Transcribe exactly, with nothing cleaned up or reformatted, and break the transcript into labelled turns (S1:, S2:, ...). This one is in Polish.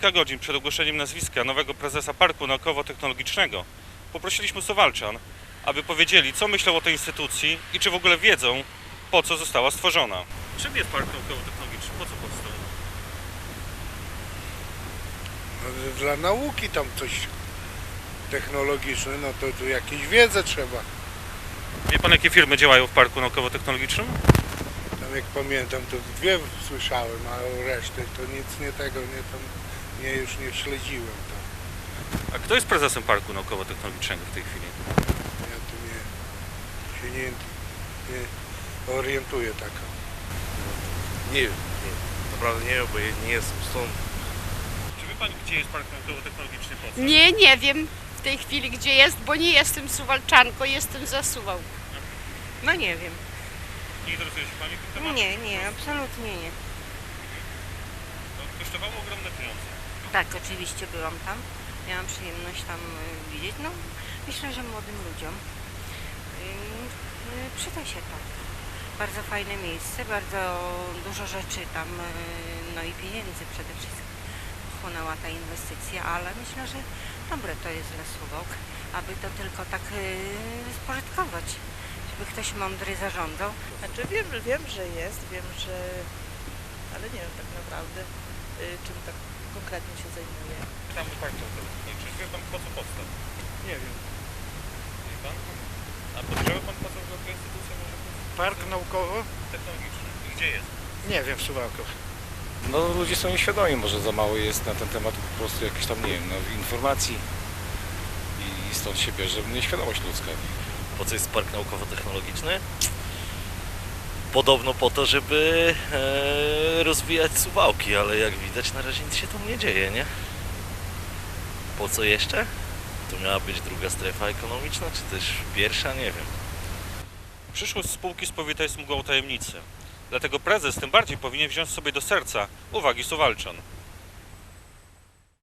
S1: kilka godzin przed ogłoszeniem nazwiska nowego prezesa Parku Naukowo-Technologicznego poprosiliśmy Suwałczan, aby powiedzieli, co myślą o tej instytucji i czy w ogóle wiedzą, po co została stworzona. Czym jest Park Naukowo-Technologiczny? Po co powstał?
S2: No, dla nauki tam coś technologiczne, no to tu jakieś wiedzę trzeba.
S1: Wie pan, jakie firmy działają w Parku Naukowo-Technologicznym?
S2: Tam jak pamiętam, to dwie słyszałem, a o resztę to nic nie tego, nie tam, nie już nie śledziłem tam.
S1: A kto jest prezesem Parku Naukowo-Technologicznego w tej chwili?
S2: Ja tu nie, się nie, nie orientuję tak.
S3: Nie wiem, nie, naprawdę nie wiem, bo ja nie jestem stąd.
S1: Czy wie pan, gdzie jest Park Naukowo-Technologiczny? Po co?
S4: Nie, nie wiem w tej chwili gdzie jest, bo nie jestem Suwałczanką, jestem za Suwałk.
S5: No nie wiem.
S1: Nie interesuje się pani tym tematem?
S5: Nie, nie, absolutnie nie.
S1: To kosztowało ogromne pieniądze.
S5: Tak, oczywiście byłam tam. Miałam przyjemność tam y, widzieć. No, myślę, że młodym ludziom y, y, przyda się to. Bardzo fajne miejsce, bardzo dużo rzeczy tam, y, no i pieniędzy przede wszystkim wchłonęła ta inwestycja, ale myślę, że dobre to jest dla Suwałk, aby to tylko tak y, spożytkować, żeby ktoś mądry zarządzał.
S6: Znaczy wiem, wiem, że jest, wiem, że... ale nie wiem tak naprawdę, y, czym tak konkretnie się zajmuje.
S1: Pytamy Park Naukowo-Technologiczny. Czy wie pan, po co powstał?
S7: Nie wiem.
S1: Wie pan? A podejrzewa pan, po co ta instytucja może być
S7: Park naukowo?
S1: technologiczny? Gdzie jest?
S7: Nie wiem, w Suwałkach.
S8: No ludzie są nieświadomi, może za mało jest na ten temat po prostu jakichś tam, nie wiem, no, informacji i stąd się bierze nieświadomość ludzka.
S3: Po co jest Park Naukowo-Technologiczny? Podobno po to, żeby e, rozwijać Suwałki, ale jak widać na razie nic się tam nie dzieje, nie? Po co jeszcze? To miała być druga strefa ekonomiczna, czy też pierwsza? Nie wiem.
S1: Przyszłość spółki spowita jest mgłą tajemnicy. Dlatego prezes tym bardziej powinien wziąć sobie do serca uwagi Suwałczan.